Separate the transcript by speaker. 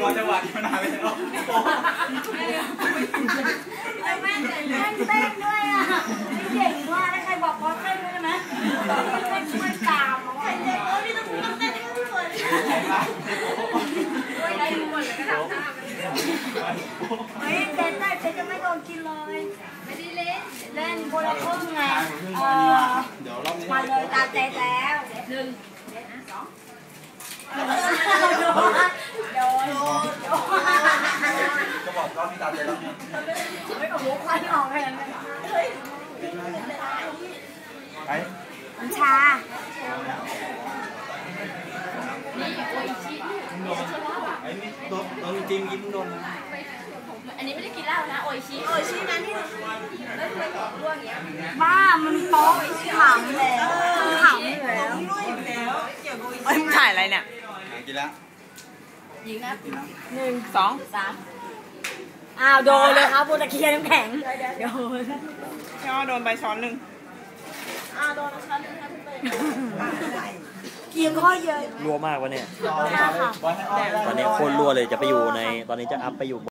Speaker 1: อจังหวะที่มันหายไปแล้ว
Speaker 2: แม่เต้นด้วยอ่ะเก่งมากใครบอกว่าเต้นด้วยไหมเต้นช่วยตามใครเต้นพี่ต้องเต้นให้พี่ฝนช่วยได้ทุกคนเลยก็ทำตามเฮ้ยเต้นได้เต้นจะไม่โดนกินเลยไม่ได้เล่นคนละครึ่งไงมาเลยตาเจ๊แล้วโดน
Speaker 1: ก็บอกรอบที่ตาเจ๊แล้ว
Speaker 2: ไม่กับหัวควันออกแค่นั้น
Speaker 1: ไป
Speaker 2: น้ำชา
Speaker 1: ไอ้นี่โดนจริงยิ้มโดน
Speaker 3: อันนี้ไม่ได้กินเหล้านะโออิชินะนี่แล้วทำไมของร่วงอย่างเงี้ย
Speaker 2: บ้ามันโป๊ะขำแล้วขำอยู่แล้ว
Speaker 4: เอ้ยมึงถ่ายอะไรเนี่ย
Speaker 1: กินแล้ว
Speaker 3: ยิงนะ
Speaker 4: 1 2
Speaker 3: 3
Speaker 2: อ้าวโดนเลยครับโบตะเคียนน้ำแข็งโดน
Speaker 4: ย่อโดนใบช้อน1
Speaker 3: โดนช้อนนึงครับ
Speaker 2: เกียงข้อเยอะ
Speaker 5: รัวมากวะเนี่ยตอนนี้โคตรรัวเลยจะไปอยู่ในตอนนี้จะอัพไปอยู่